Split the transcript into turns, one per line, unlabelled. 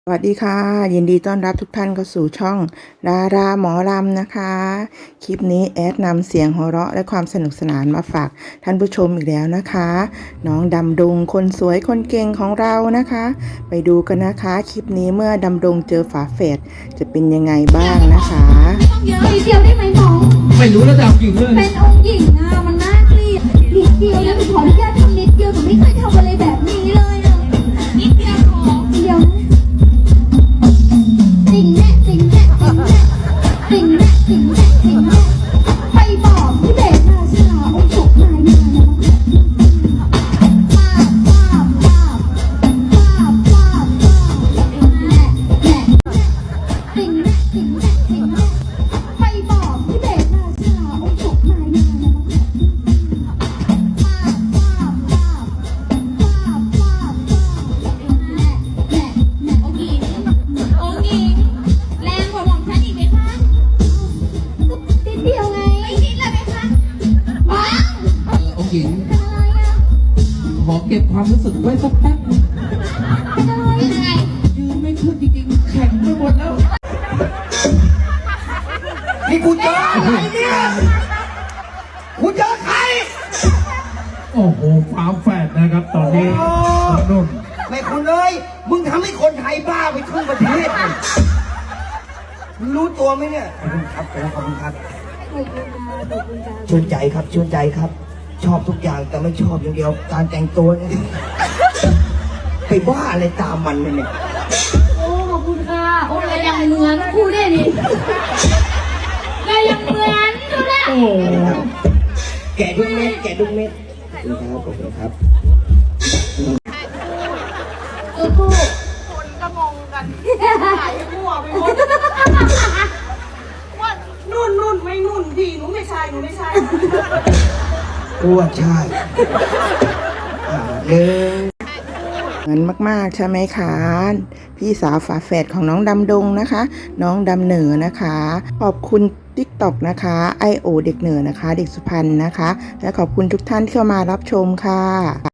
สวัสดีค่ะยินดีต้อนรับทุกท่านเข้าสู่ช่องดาราหมอลำนะคะคลิปนี้แอดนำเสียงหัวเราะและความสนุกสนานมาฝากท่านผู้ชมอีกแล้วนะคะน้องดำดงคนสวยคนเก่งของเรานะคะ ไปดูกันนะคะคลิปนี้เมื่อดำดงเจอฝาแฝดจะเป็นยังไงบ้างนะคะ
เยอะนิดเดียวได้ไหมน้อง
ไม่รู้ระดับกี่เรื่อง
เป็นองค์หญิงอ่ะมันน่าเกลียดนิดเดียวนะหนูขออนุญาตทำนิดเดียวหนูไม่เคยทำอะไรแบบนี้เลยอ่ะนิดเดียวของเดียวนะติ่งแน่ติ่งแน่ติ่งแน่ติ่งแน่ติ่งแน่ติ่งแน่ไปบอกพี่เบสราชาองค์สุขนายมาแล้วติ่งแน่ติ่งแน่ติ่งแน่ไปบอกพี่เบสราชาองค์สุขนายมาแล้ว
หญิงขอเก็บความรู้สึกไว้สักแป๊บนึงยืนไม่ขึ้นจริงๆแข็งไปหมดแล้ว
นี่กูเจออะไรเนี่ยกูเจอใคร
โอ้โหฝาแฝดนะครับตอนนี้นุ่น
ไม่คุณเลยมึงทำให้คนไทยบ้าไปครึ่งประเทศเลยมึงรู้ตัวไหมเนี่ยขอบคุณครับชื่นใจครับชื่นใจครับชอบทุกอย่างแต่ไม่ชอบอย่างเดียวการแต่งตัวเนี่ยไปบ้าอะไรตามมันเนี่ย
โอ้ขอบคุณค่ะโอ้ยยังเหมือนคู่ได้ดิยังเหมือนดูแล
โอ้
แกะดุ้งเม็ดขอบคุณครับ
คนก็งงกันหายมั่วไปหมดว่านุ่นไม่นุ่นดีหนูไม่ใช่
กูว่าใช่
เหมือนมากๆใช่ไหมคะพี่สาวฝาแฝดของน้องดำดงนะคะน้องดำเหนือนะคะขอบคุณ TikTok นะคะIO เด็กเหนือนะคะเด็กสุพรรณนะคะและขอบคุณทุกท่านที่เข้ามารับชมค่ะ